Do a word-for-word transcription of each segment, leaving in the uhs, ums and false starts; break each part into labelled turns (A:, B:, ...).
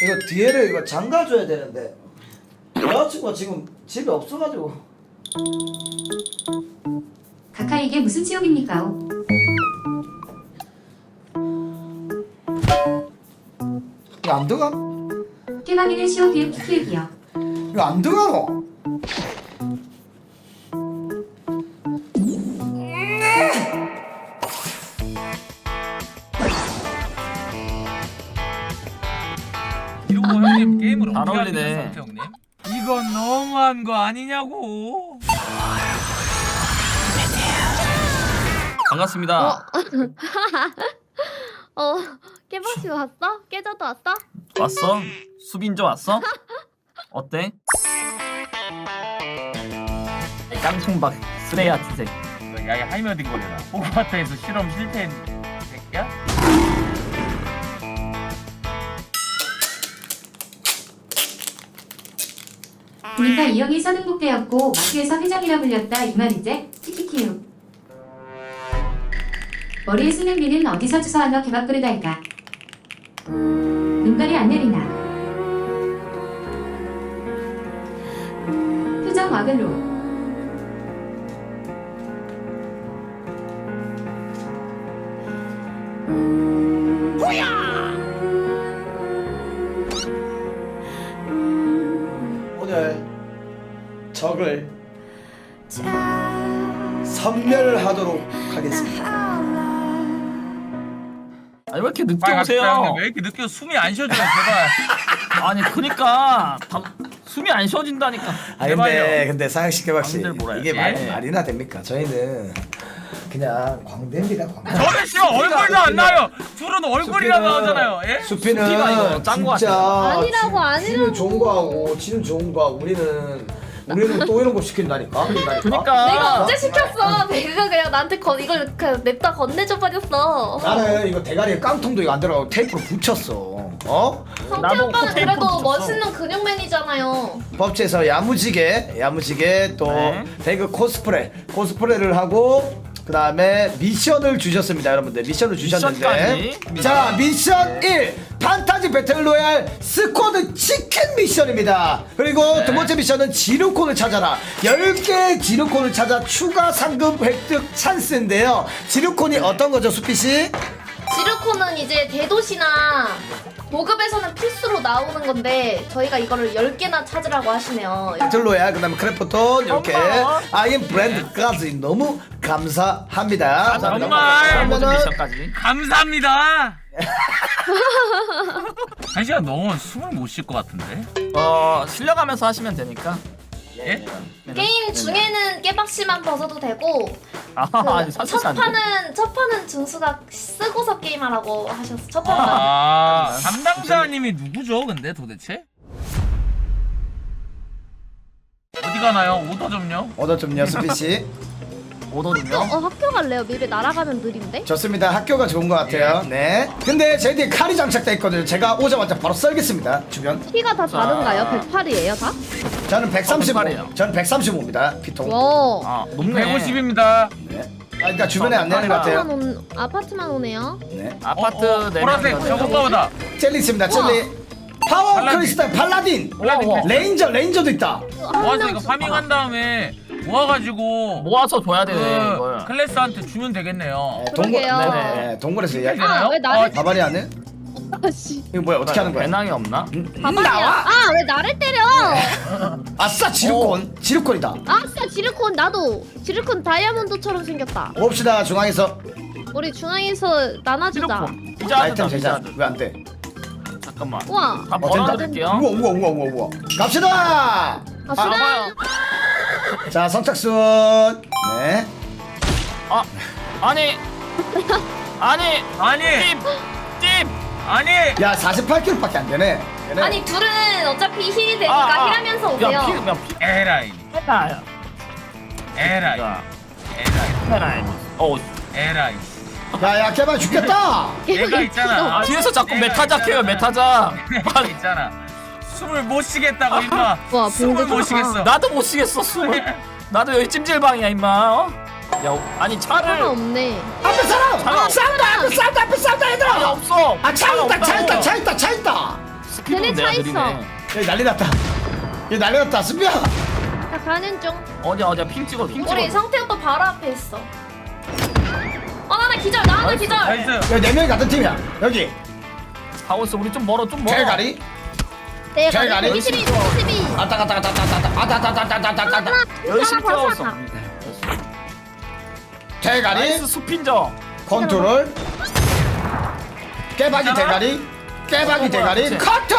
A: 이거 뒤에를 이거 잠가줘야 되는데 여자친구가 지금 집에 없어가지고.
B: 카카 이게 무슨 지옥입니까?
A: 이거 안 들어가?
B: 깨방이는 시오 비읍 키키기요.
A: 이거 안 들어가노?
C: 이런 거 형님 게임을
D: 잘
C: 어떻게
D: 어울리네.
C: 하는 상태 형님? 이건 너무한 거 아니냐고.
D: 반갑습니다.
E: 어, 깨박씨 왔어? 깨져도 왔어?
D: 왔어? 수빈조 왔어? 어때? 깡통박 스레야 티색.
C: 야야 하이머딩 거리라. 호그와트에서 실험 실패한 새끼야?
B: 보니까 이 형이 서등복대였고 마트에서 회장이라 불렸다 이 말이제? 키키키유. 머리에 쓰는 비는 어디서 주워와너 개밥그릇 할까? 눈깔이 안 내리나? 표정 와글로.
A: 오늘 적을 섬멸하도록 하겠습니다.
D: 아니 왜 이렇게 늦게
C: 빨리 갑시다,
D: 오세요?
C: 형님. 왜 이렇게 늦게 숨이 안 쉬어져요 제발.
D: 아니 그니까 다, 숨이 안 쉬어진다니까.
A: 아 근데
C: 제발요.
A: 근데 사양식 개박씨
D: 마음대로 몰아야지.
A: 이게 말,
D: 예.
A: 말이나 됩니까? 저희는 그냥 광대입니다. 광대.
C: 저는 씨발 얼굴도 안 나요. 둘은 얼굴이나
A: 수피는-
C: 나오잖아요. 예?
A: 수피는
D: 수피가 이거 짠거
A: 진짜
E: 아니라고,
A: 지- 지는
E: 아니라고.
A: 좋은 거 하고 지는 좋은 거 하고 우리는 우리는 또 이런 거 시킨다니까. 그러니까.
D: 그니까.
E: 내가 언제 시켰어? 내가 그냥 나한테 건 이걸 그냥 냅다 건네줘 버렸어.
A: 나는 이거 대가리에 깡통도 이거 안 들어가고 테이프로 붙였어. 어?
E: 성태
D: 나도
E: 오빠는
D: 테이프
E: 그래도
D: 붙였어.
E: 멋있는 근육맨이잖아요.
A: 법제에서 야무지게 야무지게 또
D: 네.
A: 배그 코스프레 코스프레를 하고 그 다음에 미션을 주셨습니다. 여러분들 미션을 주셨는데
D: 미션까지.
A: 자 미션 일 판타지 배틀로얄 스쿼드 치킨 미션입니다. 그리고
D: 네.
A: 두 번째 미션은 지루콘을 찾아라. 열 개의 지루콘을 찾아 추가 상금 획득 찬스인데요. 지루콘이 어떤 거죠, 수피씨?
E: 지르코는 이제 대도시나 보급에서는 필수로 나오는 건데 저희가 이거를 열 개나 찾으라고 하시네요.
A: 배틀로얄 그 다음에 크래프톤 이렇게
D: 고마워.
A: 아이엠 브랜드까지 너무 감사합니다.
C: 정말.
D: 모든
A: 그러면은
D: 미션까지.
C: 감사합니다. 한 시간 넘으면 숨을 못 쉴 것 같은데.
D: 어 실려가면서 하시면 되니까.
C: 예?
E: 게임 중에는 깨박씨만 벗어도 되고
D: 아
E: 그
D: 아니 사실
E: 첫
D: 안 돼.
E: 판은 첫 판은 준수가 쓰고서 게임하라고 하셨어. 첫 판만.
C: 아 담당자님이 누구죠? 근데 도대체? 어디 가나요? 오더 좀요.
A: 오더 좀요, 수피씨.
D: 오더
E: 어,
D: 좀요.
E: 어 학교 갈래요? 맵에 날아가면 느린데?
A: 좋습니다. 학교가 좋은 것 같아요. 네. 근데 제 뒤에 칼이 장착돼 있거든요. 제가 오자마자 바로 썰겠습니다. 주변.
E: 키가 다 다른가요? 백팔이에요 다?
A: 저는 백삼십오.
D: 어, 백팔이에요.
A: 저는 백삼십오입니다. 피통.
E: 와.
D: 아 높네.
C: 백오십입니다.
A: 네. 아, 그러니까 주변에
D: 어,
A: 안내하는 것
E: 아파트만,
A: 같아요.
E: 온, 아파트만 오네요.
A: 네.
D: 아파트
C: 어, 어,
D: 네
C: 보라색
D: 명이거든요.
C: 저 오빠보다.
A: 젤리 있습니다. 젤리. 파워
C: 팔라딘.
A: 크리스탈 팔라딘.
C: 팔라딘
D: 우와, 우와.
A: 레인저 레인저도 있다.
C: 모아서 이거 파밍한 다음에 모아가지고
D: 모아서 줘야
C: 그
D: 되네 이걸.
C: 클래스한테 주면 되겠네요.
A: 네, 동굴
E: 그러게요.
A: 네네. 네, 동굴에서 이야기.
C: 되나요?
E: 아, 왜 나를
A: 가발이 안 해?
E: 아씨.
A: 이거 뭐야? 어떻게 하는 거야?
D: 배낭이 없나?
A: 음,
E: 가발이야.
A: 나와.
E: 아, 왜 나를 때려?
A: 아싸 지루콘. 지루콘이다.
E: 아싸, 지르콘 나도. 지르콘 다이아몬드처럼 생겼다.
A: 봅시다 중앙에서.
E: 우리 중앙에서 나눠주자.
D: 휴대폰. 피자
A: 아이템
D: 하자
A: 제작.
D: 피자.
A: 왜 안 돼?
D: 잠깐만.
E: 우와.
D: 다
A: 어, 된다.
D: 벌어드릴게요.
A: 우와 우와 우와 우와 우와. 갑시다.
E: 아,
D: 아,
E: 수다.
D: 봐요.
A: 자 선착순. 네.
D: 아 아니 아니
C: 아니
D: 찜찜
C: 아니
A: 야 사십팔 킬로그램밖에 안 되네. 되네.
E: 아니, 둘은 어차피 힐이 되니까
D: 아, 아.
E: 힐하면서 오세요.
D: 야 피, 야 피,
C: 에라이
D: 해라.
C: 에라이
D: 야
C: 에라이
D: 해라. 어
C: 에라이.
A: 야야 개발 죽겠다.
C: 얘가 있잖아.
D: 아, 뒤에서 자꾸
C: 내가
D: 메타작 해요
C: 있잖아.
D: 메타작.
C: 얘가 있잖아. 숨을 못 쉬겠다고 임마.
E: 와,
C: 숨을
E: 봉제
C: 못
E: 좋다.
C: 쉬겠어.
D: 나도 못 쉬겠어 숨을. 나도 여기 찜질방이야 임마. 어? 야 아니
E: 차가
D: 차를
E: 없네.
A: 앞에 사람.
D: 차가
A: 싸운다 앞에 싸운다 앞에 싸운다
D: 차가
A: 얘들아.
D: 없어.
A: 아 차
D: 차가
A: 있다 차
D: 없다고.
A: 있다 차 있다 차 있다.
D: 스피드는
E: 쟤네
D: 내가
E: 차 있어.
D: 느리네.
A: 여기 난리 났다. 여기 난리 났다. 수비야.
E: 나 가는 중.
D: 어디야 어디야 핑 찍어 핑 찍어.
E: 우리 성태 오빠 바로 앞에 있어. 어, 나 나 기절, 나 하나 기절.
C: 나이스.
A: 여기 네 명이 같은 팀이야. 여기
D: 하고 있어. 우리 좀 멀어 좀 멀어.
A: 대가리.
E: 네,
A: 잘 가네.
E: 백이십이, 백이십이.
A: 아따 갔다 갔다 갔다 갔다 갔다 갔다 갔다 갔다 갔다.
D: 열심히
E: 하나
D: 뛰어왔어.
E: 벗어나.
A: 대가리.
D: 나이스 수핀저.
A: 컨트롤. 깨박이 대가리. 깨박이
D: 어, 뭐야,
A: 대가리.
D: 그치?
A: 커터.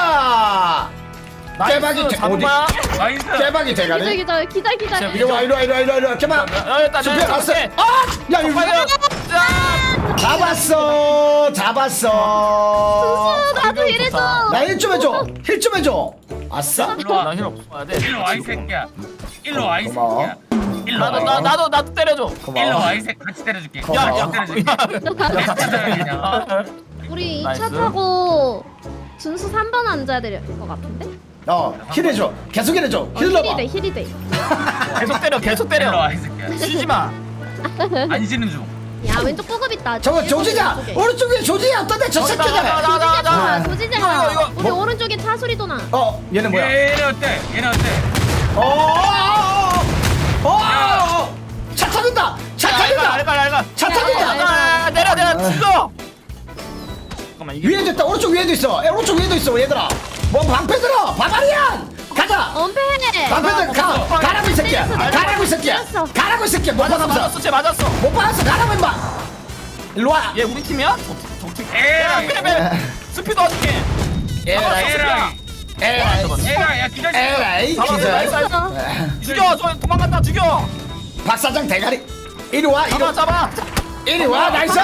A: 깨박이
D: 나이스
A: 대-
D: 잡은
A: 어디?
D: 거야?
C: 나이스.
A: 깨박이
E: 기절,
A: 대가리.
E: 기절, 기절, 기절.
A: 이리 와 이리 와 이리 와 이리 와 이리 와. 깨박.
D: 야, 일단
A: 수비야
D: 내가
A: 왔어.
D: 잡을게.
A: 아! 야 이거
D: 빨리. 자.
A: 잡았어. 잡았어.
E: 나도 이래줘.
A: 나 힐 좀 해줘. 힐 좀 해줘. 아싸.
C: 일로 와.
D: 나힐 없어야 돼.
C: 일로 와 이 새끼야. 일로 와 이
A: 고마워.
C: 새끼야. 일로 와.
D: 나도 나 나도 나도 때려줘.
C: 일로
A: 고마워.
C: 와 이 새끼 같이 때려줄게.
A: 고마워.
C: 야,
D: 야,
C: 같이 때려줄게. 같이 때려 그냥.
E: 우리 이
D: 나이스.
E: 차 타고 준수 삼 번 앉아야 될 것 같은데?
A: 어, 힐 해줘. 계속 힐 해줘.
E: 어,
A: 힐 넣어봐.
E: 힐이 돼, 힐이 돼.
D: 계속 때려 계속
C: 일로
D: 때려.
C: 와 이 새끼야.
D: 쉬지 마.
C: 안 쉬는 중.
E: 야, 왼쪽 보급 있다.
A: 저거
E: 일본
A: 조지자.
E: 왼쪽에.
A: 오른쪽에 조지야. 어떤데 저
D: 나, 나,
A: 새끼가.
D: 나, 나, 나, 나.
A: 아.
E: 조지자.
D: 이거, 이거,
E: 우리
A: 뭐?
E: 오른쪽에 차 소리도 나.
A: 어, 얘는 뭐야?
C: 얘네 어때? 얘네 어때?
A: 어, 어, 어, 어, 어, 차 타는다. 차
D: 알가
A: 타는다.
D: 알가 알가.
A: 차
E: 야,
A: 타는다.
E: 야,
D: 아, 내려 내려 죽어. 잠깐만 이게
A: 위에도 있다. 오른쪽 위에도 있어. 야, 오른쪽 위에도 있어. 얘들아. 뭐 방패 들어. 바바리안. 가자.
E: 엄폐.
A: 방패 들어. 가. 가라고 이 새끼야.
E: 때렸어,
A: 가라고 이 새끼야.
E: 때렸어.
A: 가라고 이 새끼야. 못
D: 맞았어
A: 받아서.
D: 맞았어 쟤 맞았어.
A: 못 받아서 가라고 임마. 일로 와.
D: 얘 우리 팀이야? 적팀.
C: 에라이.
D: 빼빼. 스피드 어떻게?
A: 에라이.
C: 에라이.
A: 에라이.
C: 에라이. 야 기다려.
A: 에라이.
D: 잡았어,
A: 기절.
D: 나이스. 죽여 저 도망간다 죽여.
A: 박 사장 대가리. 이리 와. 이리
D: 잡아
A: 와.
D: 잡아.
A: 이리 와. 나이스.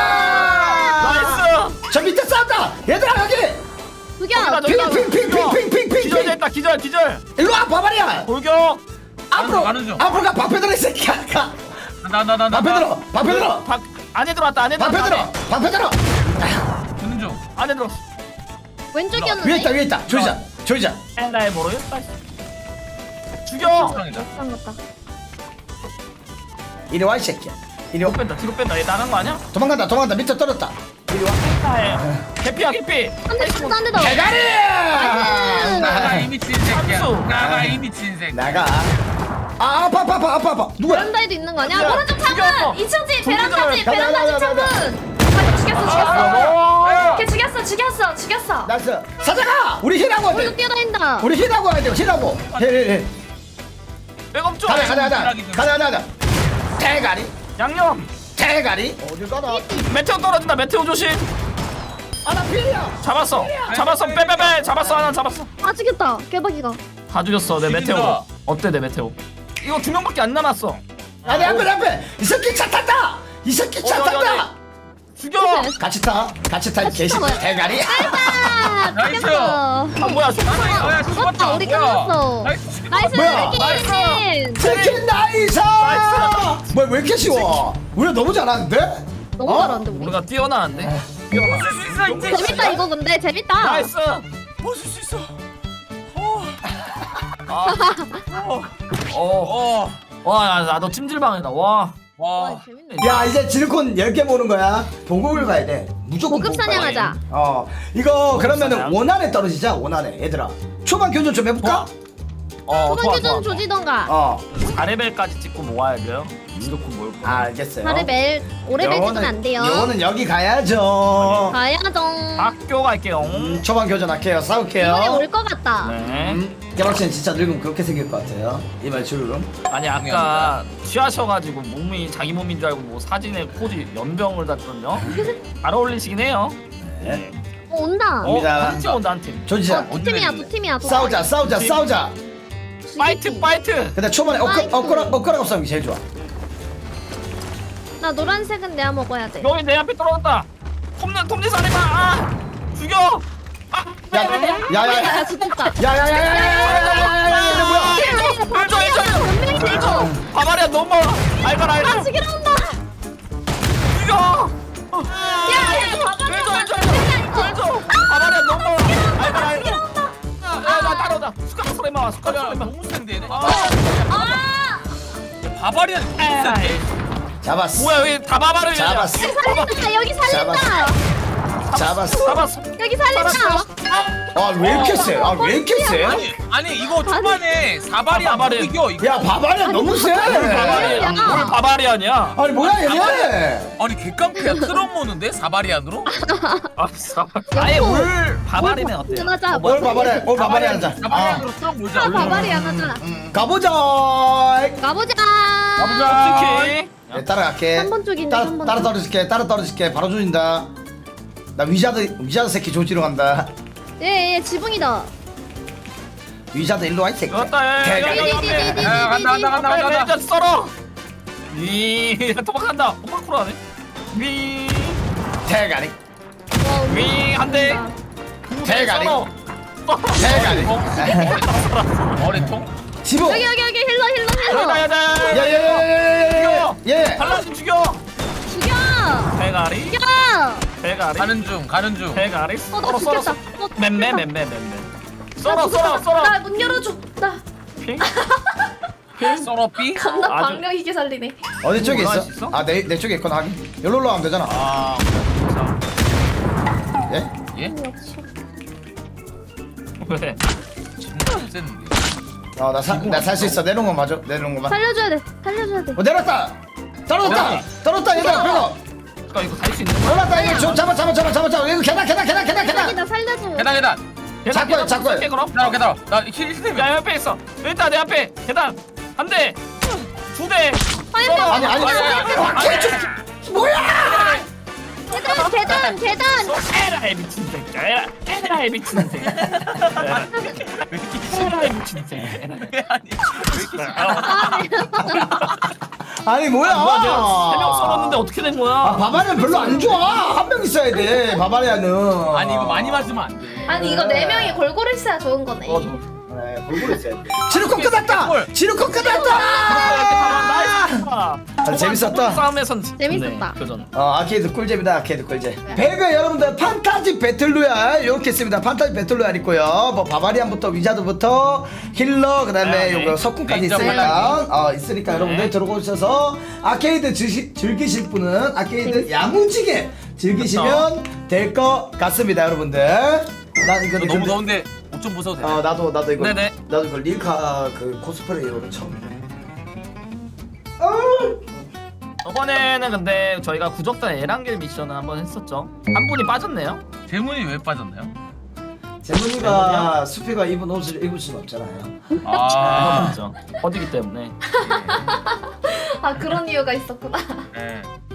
D: 나이스.
A: 저 밑에 싸운다. 얘들아 여기.
E: 두겨.
A: 핑핑핑핑핑핑핑.
D: 기절됐다 기절 기절.
A: 일로 와 바바리야.
D: 돌격.
A: 앞으로
C: 가는 중.
A: 앞으로 가. 방패 들어 이 새끼야. 가.
C: 나나나 나.
A: 방패 들어. 방패 들어.
D: 박 안에 들어왔다 안에
A: 방패
D: 들어왔다.
A: 들어. 방패 들어.
C: 주는 중.
D: 안에 들어.
E: 왼쪽이었는데.
A: 위에 있다 위에 있다. 조이자. 조이자.
D: 에라이 모르겠다. 죽여.
C: 사랑이다.
E: 안 갔다.
A: 이리 와 이 새끼야. 이리 와.
D: 뒤로 뺀다 뒤로 뺀다. 얘 나간 거 아니야?
A: 도망간다 도망간다. 밑에 떨어졌다. 이리 와.
D: 아, 개피야 개피.
E: 한 대, 한 대 더.
A: 대가리.
C: 나가 이 미친 새끼야.
D: 삼수.
C: 나가 이 미친 새끼.
A: 나가. 아 아파 아파 아파 아파 아파. 누구야?
E: 베란다에도 있는 거 아니야?
D: 야,
E: 오른쪽
D: 죽였어.
E: 창문! 이 층 집! 베란다 집!
A: 가자,
E: 베란다
A: 가자,
E: 집
A: 가자,
E: 창문! 아, 죽였어 죽였어!
D: 어.
E: 걔 죽였어 죽였어 죽였어!
A: 나이스. 사장아. 우리 힐하고 와야
E: 오른쪽
A: 돼.
E: 뛰어다닌다!
A: 우리 힐하고 와야 돼. 힐하고. 힐힐힐.
D: 백업 좀.
A: 가자 가자 가자. 가자 가자 가자. 대가리.
D: 양념.
A: 대가리. 어딜 가나?
D: 메테오 떨어진다 메테오 조심.
A: 아나 필이야.
D: 잡았어 잡았어 빼빼빼 잡았어 하나 잡았어.
E: 아 죽였다! 개박이가
D: 다 죽였어 내
C: 죽인다.
D: 메테오. 어때 내 메테오? 이거 두 명밖에 안 남았어.
A: 아내 앞에 내 앞에. 이 새끼 차 탄다. 이 새끼 차
D: 어디, 어디,
A: 탄다.
D: 죽여.
A: 같이 타. 같이 타. 개새끼
E: 타봐요.
A: 대가리.
E: 아!
C: 나이스.
E: 죽였어!
D: 아 뭐야 죽었어.
C: 야
E: 죽었다 우리 끝났어!
C: 나이스.
E: 나이스
A: 뭐야?
E: 치킨!
A: 치킨 나이스.
D: 나이스.
A: 뭐야 왜 이렇게 쉬워? 우리가 너무 잘하는데?
E: 너무
A: 어?
E: 잘하는데 우리
D: 우리가 뛰어나는데. 뛰어나.
C: 쓸 수 있어 이제.
E: 재밌다 이거 근데 재밌다!
D: 나이스.
C: 벗을 수 있어.
D: 아. 어.
C: 어.
D: 와, 나너 찜질방이다. 와.
E: 와
C: 와.
E: 재밌네
A: 야 이제 지르콘 열 개 모는 거야. 보급을 가야 돼. 무조건
E: 고급
A: 보급 가야 돼.
E: 사냥하자.
A: 어 이거 그러면은
D: 사냥?
A: 원안에 떨어지자. 원안에 얘들아. 초반 교전 좀 해볼까?
D: 어,
E: 초반 교전 조지던가
A: 어.
D: 사 레벨까지 찍고 모아야 돼요. 무조건 모을 거.
A: 아, 알겠어요.
E: 사 레벨 오 레벨 찍으면 안 돼요
A: 요거는 여기 가야죠.
E: 가야죠
D: 학교 갈게요.
A: 음, 초반 교전 할게요. 싸울게요.
E: 이번에 올 것 같다
D: 네.
A: 음, 개박씨는 진짜 늙으면 그렇게 생길 것 같아요. 이말 주름.
D: 아니 아까 취하셔가지고 몸이 자기 몸인 줄 알고 뭐 사진에 포즈 연병을 닿거든요. 잘 어울리시긴 해요.
A: 네.
E: 어, 온다
D: 어,
A: 옵니다.
D: 한 팀 온다 한 팀.
A: 조지자.
E: 어, 두 팀이야 두 팀이야 두
A: 싸우자, 싸우자,
D: 팀.
A: 싸우자.
E: 팀.
D: 파이트 파이트.
A: 근데 초반에 엇가,
E: 아이고.
A: 엇가락, 엇가락 싸움이 제일 좋아.
E: 나 노란색은 내가 먹어야 돼
D: 여기 내 앞에 떨어졌다. 톱니 톱니 살해마. 아 죽여. 아.
A: 야, 야, 야, 야,
E: 아 죽겠다
A: 야, 야, 야, 야, 야, 야, 야, 야, 야, 뭐야?
D: 일조 일조 일조. 바바리아 너무 멀어. 알거라 알거.
E: 아 죽이러 온다
D: 죽여.
E: 야야
D: 일조
E: 바바리아
D: 일조 일조 일조. 바바리아 너무 멀어. 알거라 알거. 야나 따라오자. 숟가락 살해마 숟가락
C: 야
D: 살해마.
C: 너무 센데 얘네.
D: 아.
E: 아
C: 바바리안 너무 센데.
A: 잡았어.
D: 뭐야 왜 다 바바를
A: 잡았어.
E: 살린다 여기 살린다
A: 잡았어.
D: 잡았어.
E: 여기 살린다
A: 아 왜 이렇게 세? 아 왜 이렇게 세?
F: 아니 아니 이거 초반에 사발이야
D: 아, 사발이.
F: 이겨 이거.
A: 야 바바리안 너무 세.
D: 바바리아. 뭘 바바리아냐?
A: 아니 뭐야 얘네?
F: 아니 개깡패야 트럭 모는데 사발이안으로?
D: 아, 사발. 아예 올 바바리면 어때요?
G: 하자.
A: 올 바바리안, 올 바바리안 하자. 아,
F: 사발이안으로 트럭 몰자.
G: 아, 바바리안 하자.
A: 가보자.
G: 가보자.
D: 솔직히.
A: 네, 따라갈게.
G: 삼 번 쪽인데,
A: 따라
G: 삼 번
A: 따라
G: 쪽.
A: 떨어질게. 따라 떨어질게. 바로 조진다. 나 위자드 위자드 새끼 조지러 간다.
G: 예, 예, 지붕이다.
A: 위자드 일로 와 이 새끼.
D: 왔다. 야, 야, 야, 야, 야, 야.
G: 디디디디디디디.
F: 야, 간다, 간다, 간다.
D: 앞에 레이저 썰어. 위 도망간다. 엄마 코라네. 위.
A: 대가리.
D: 위 한 대.
A: 대가리.
D: 썰어.
A: 대가리.
F: 머리통?
A: 지붕.
G: 여기, 여기, 여기, 힐러, 힐러,
D: 야다
G: 힐러.
D: 야다.
A: 예예예예예. 예.
D: 발라좀 죽여.
G: 죽여.
D: 대가리.
G: 죽여.
D: 대가리.
F: 가는 중 가는 중.
D: 대가리.
G: 어, 나
D: 썰어 썰어.
G: 죽겠다.
D: 썰어.
G: 어,
D: 맴매
G: 죽겠다.
D: 맴매 맴매. 썰어 썰어 썰어.
E: 나 문 열어줘. 나
D: 핑.
F: 썰어삐?
E: 겁나
D: 아주-
E: 박력 있게 살리네.
A: 어디 쪽에
D: 올라갈
A: 있어?
D: 수 있어?
A: 아 내 내 쪽에 있거나 하긴. 여기로 올라가면 되잖아.
F: 아
A: 예?
F: 예?
D: 왜?
F: 진짜 셌는데.
A: 어나나살 수 있어. 내려온 거 맞아. 내려온 거만.
G: 살려줘야 돼. 살려줘야 돼.
A: 어 내렸다. 떨어졌다. 떨어졌다 얘들아. 그거.
D: 잠깐 이거 갈 수 있는 거야?
A: 떨어졌다 이거 좀 잡아 잡아 잡아 잡아 잡아. 이거 계단 계단 계단 계단 계단.
G: 살리다 살려줘.
F: 계단 계단.
A: 자꾸 해, 자꾸 해.
D: 해, 그럼.
F: 기다려 기다려. 나힐 스텝이야.
D: 야 옆에 있어. 여기 있다 내 앞에 계단 한 대, 두 대.
G: 아니,
D: 썰어.
A: 아니 아니. 아, 개쪽. 뭐야?
G: 계단, 계단, 계단.
D: 에라이 미친 새끼. 에라 에라이 미친 새끼. 에라. 에라이 미친 새끼.
A: 아니 뭐야?
D: 뭐야 내가 세명 썰었는데 어떻게 된 거야?
A: 아 바바리안 별로 안 좋아. 한 명 있어야 돼. 바바리안은.
F: 아니 이거 많이 맞으면 안 돼.
E: 아니 이거 네 명이 골고루 있어야 좋은 거네.
D: 어, 저-
A: 네, 골고루 있어야 돼. 지루콘 끝났다.
F: 골.
A: 지루콘
D: 이렇게 바로
A: 끝났다.
D: 나이스.
A: 아, 재밌었다.
D: 싸움에선
G: 재밌었다.
D: 네, 교전.
A: 어 아케이드 꿀잼이다. 아케이드 꿀잼. 배그 여러분들 판타지 배틀로얄 이렇게 있습니다. 판타지 배틀로얄 있고요. 뭐 바바리안부터 위자드부터 힐러 그다음에
D: 네, 네.
A: 요거 석궁까지
F: 레인저
A: 있으니까 어 있으니까
D: 네.
A: 여러분들 들어오셔서 아케이드 즐시, 즐기실 분은 아케이드 야무지게 즐기시면 될 것 같습니다, 여러분들. 난 이거
F: 이거 너무 더운데 옷 좀 벗어도 돼.
A: 어 나도 나도 이거
D: 네네.
A: 나도 이거 릴카 그 코스프레이로 처음.
D: 저번에는 근데 저희가 구적단 에란겔 미션을 한번 했었죠. 한 분이 빠졌네요.
F: 재문이 왜 빠졌나요?
A: 재문이가 수피가 입은 옷을 입을 수는 없잖아요.
F: 아.
D: 그렇죠. 어디기 때문에.
E: 아 그런 이유가 있었구나.
F: 네.